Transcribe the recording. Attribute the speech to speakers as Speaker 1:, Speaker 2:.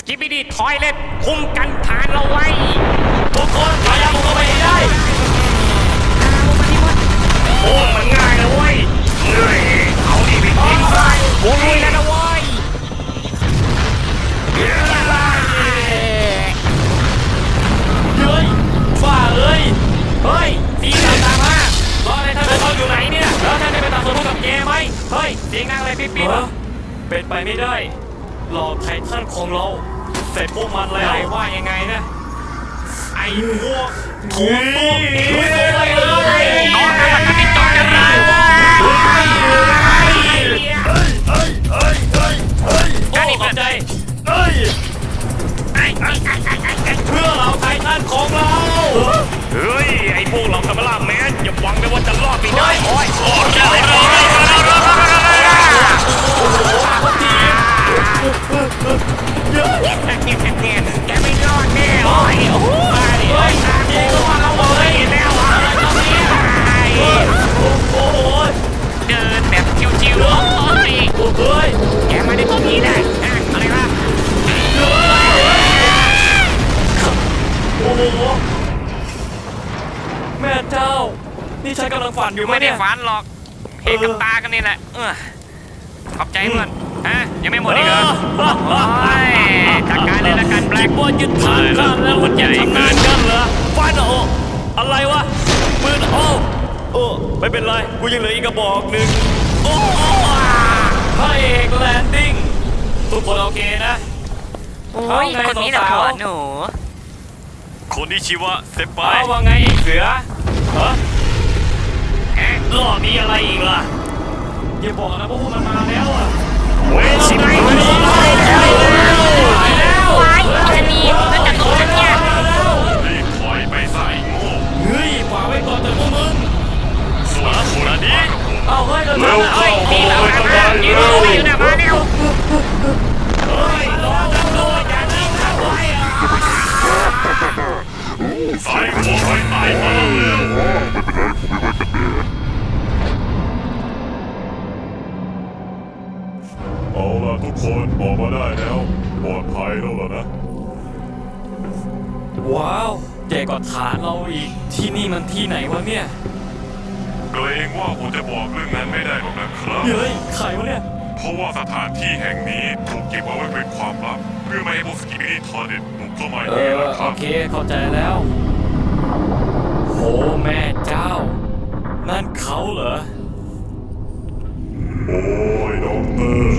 Speaker 1: กิบบิดีทอยเล็ตคุมกันฐานเราไว้
Speaker 2: ทุกคนพยายามเข้าไปให้ได้
Speaker 1: โอ้มันง่ายนะเว้ยเอาดิไปทิ้งไปโอ้ยแล้วนะเว้ย
Speaker 2: เฮ้ยฝ่าเอ้ย
Speaker 1: เฮ้ยสีตามมารอในท่านเขาอยู่ไหนเนี่ยแล้วท่านได้ไปตัดสนุกับแกไหมเฮ้ยเสียงดังอะไรปิ๊บปิ๊บ
Speaker 2: เป็นไปไม่ได้หลอกไททันของเราเสร็จพวกมันแล้ว
Speaker 1: ว่ายังไงนะไอ้พวก
Speaker 2: ถูกต้องลุยตัวไปเลย
Speaker 1: น้องนะมันติดต่อกันเลย
Speaker 2: จ้าดิบใจเพื่อเราไททันของเรา
Speaker 1: เฮ้ยไอ้พวกเราทำล่าแมนอย่าหวังไปว่าจะรอดไปได้โอ้ยแกไม่รอดแน่โอ้ยโอ้ยโอ้ยจริงก็ว่าเราเลยแล้วอะไรตอนนี้
Speaker 2: โอ้โห
Speaker 1: เดินแบบชิวๆโอ้ยแกมาได้ตรงนี้ได้อะไรวะ
Speaker 2: โอ้โหแม่เจ้านี่ฉันกำลังฝันอยู่
Speaker 1: ไม่ได้ฝันหรอกเห็นกับตากันนี่แหละขอบใจเพื่อนฮะยังไม่หมดอีกเหรอจัดการเลยละกันแบล็ค
Speaker 2: บอลยึดฐานกันแล้วมันจะทำงานกันเหรอฟันโออะไรวะปืนโอ้ไม่เป็นไรกูยังเหลืออีกกระบอกหนึ่งโอ้พระเอกแลนดิ้งทุกคนโอเคนะ
Speaker 1: โอ้ยคนนี้แหละผัวหนู
Speaker 2: คนที่ชื่อว่าเซปไป
Speaker 1: ว่าไงไอ้เสือ
Speaker 2: ฮะรอบนี้อะไรอีกล่ะอย่าบอกนะพวกมันมาแล้วอ่ะ
Speaker 1: เว้ยสิไม่ไปแล้วไอ้จะหนีแล้วจะตกฉันเนี่ย
Speaker 2: รีบถอยไปใส่โง่เฮ้ยฝากไว้ก่อนเถอะพวกมึงส่วนคนนี้เอาเฮ้ยเร็ว
Speaker 1: เฮ้ยตีหลังมายืนอยู่นะมาเร็ว
Speaker 2: เฮ้ยรอจังเลยอย่านิ่งนะไว้ใส่หัวไว้ตายมาเอาล่ะทุกคนออกมาได้แล้วปลอดภัยแล้วเหรอนะว้าวใหญ่กว่าฐานเราอีกที่นี่มันที่ไหนวะเนี่ยเกรงว่าผมจะบอกเรื่องนั้นไม่ได้หรอกนะครับเฮ้ยใครวะเนี่ยเพราะว่าสถานที่แห่งนี้ถูกเก็บเอาไว้เป็นความลับเพื่อไม่ให้พวกสกิบิดี้ทอร์เด็ดบุกเข้ามาอีกนะครับโอเคเข้าใจแล้วโหแม่เจ้านั่นเขาเหรอโอ้ยด็อกเตอร์